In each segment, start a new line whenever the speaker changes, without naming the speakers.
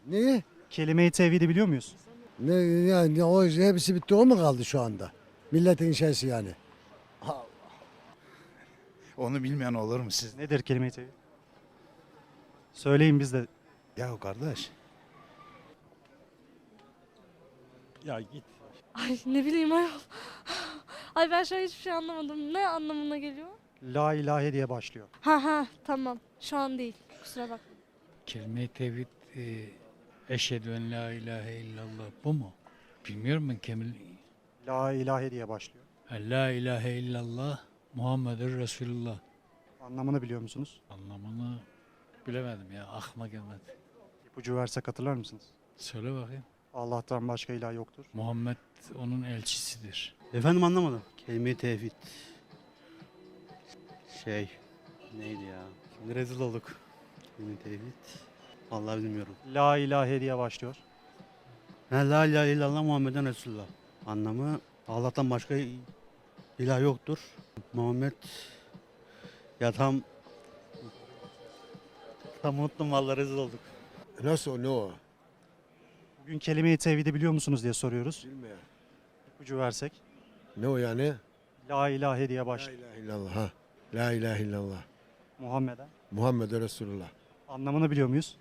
Neyi?
Kelime-i tevhidi biliyor muyuz?
Ne yani o hepsi bitti o mu kaldı şu anda? Milletin şeysi yani.
Onu bilmeyen olur mu siz?
Nedir kelime-i tevhid? Söyleyin biz de.
Ya kardeş.
Ya git.
Ay ne bileyim ayol. Ay ben şu an hiçbir şey anlamadım. Ne anlamına geliyor?
La ilahe diye başlıyor.
Ha tamam. Şu an değil. Kusura bakma.
Kelime-i tevhid eşhedü en la ilahe illallah bu mu? Bilmiyorum ben
La ilahe diye başlıyor.
La ilahe illallah Muhammedur Resulullah.
Anlamını biliyor musunuz?
Anlamını bilemedim ya, aklıma gelmedi.
İpucu versek hatırlar mısınız?
Söyle bakayım.
Allah'tan başka ilah yoktur.
Muhammed onun elçisidir.
Efendim anlamadım. Kelime-i tevhid. Neydi ya? Şimdi rezil olduk. Kelime-i tevhid. Vallahi bilmiyorum.
La ilahe diye başlıyor.
La ilahe illallah Muhammeden Resulullah. Anlamı Allah'tan başka ilah yoktur. Muhammed ya tam unuttum vallahi rezil olduk.
Nasıl o ne o?
Bugün kelime-i tevhidi biliyor musunuz diye soruyoruz.
Bilmiyorum.
İpucu versek.
Ne o yani?
La ilahe diye
La
başlıyor.
ilahe illallah ha. La ilahe illallah.
Muhammed'e.
Muhammed Resulullah.
Anlamını biliyor muyuz?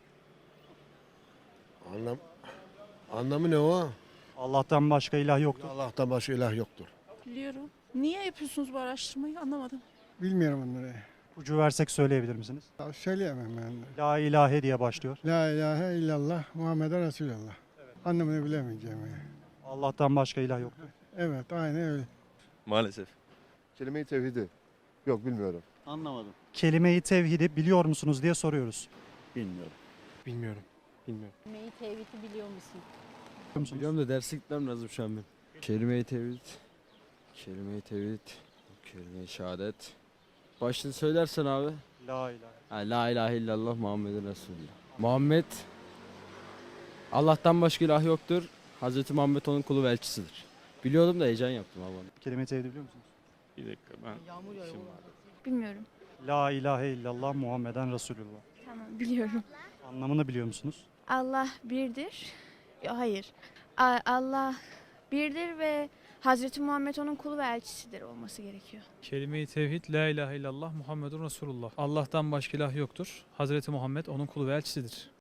Anlamı ne o?
Allah'tan başka ilah yoktur.
Allah'tan başka ilah yoktur.
Biliyorum. Niye yapıyorsunuz bu araştırmayı anlamadım.
Bilmiyorum onları.
İpucu versek söyleyebilir misiniz?
Ya söyleyemem ben de.
La ilahe diye başlıyor.
La ilahe illallah Muhammeden Resulullah. Anlamını bilemeyeceğim. Yani.
Allah'tan başka ilah yoktur.
Evet aynen öyle.
Maalesef.
Kelime-i tevhidi. Yok bilmiyorum.
Anlamadım.
Kelime-i tevhidi biliyor musunuz diye soruyoruz.
Bilmiyorum.
Bilmiyorum. Bilmiyorum.
Kelime-i tevhidi biliyor musun?
Biliyor musunuz?
Biliyorum da derse gitmem lazım şu an ben. Kelime-i tevhid. Kelime-i tevhid. Kelime-i şehadet. Başını söylersen abi.
La ilahe.
La ilahe illallah Muhammeden Resulullah. Muhammed Allah'tan başka ilah yoktur. Hazreti Muhammed onun kulu ve elçisidir. Biliyordum da heyecan yaptım abi.
Kelime-i tevhidi biliyor musunuz?
Bir dakika ben.
Bilmiyorum.
La ilahe illallah Muhammeden Resulullah.
Tamam biliyorum.
Anlamını biliyor musunuz?
Allah birdir. Hayır. Allah birdir ve Hazreti Muhammed onun kulu ve elçisidir olması gerekiyor.
Kelime-i tevhid la ilahe illallah Muhammedun Resulullah. Allah'tan başka ilah yoktur. Hazreti Muhammed onun kulu ve elçisidir.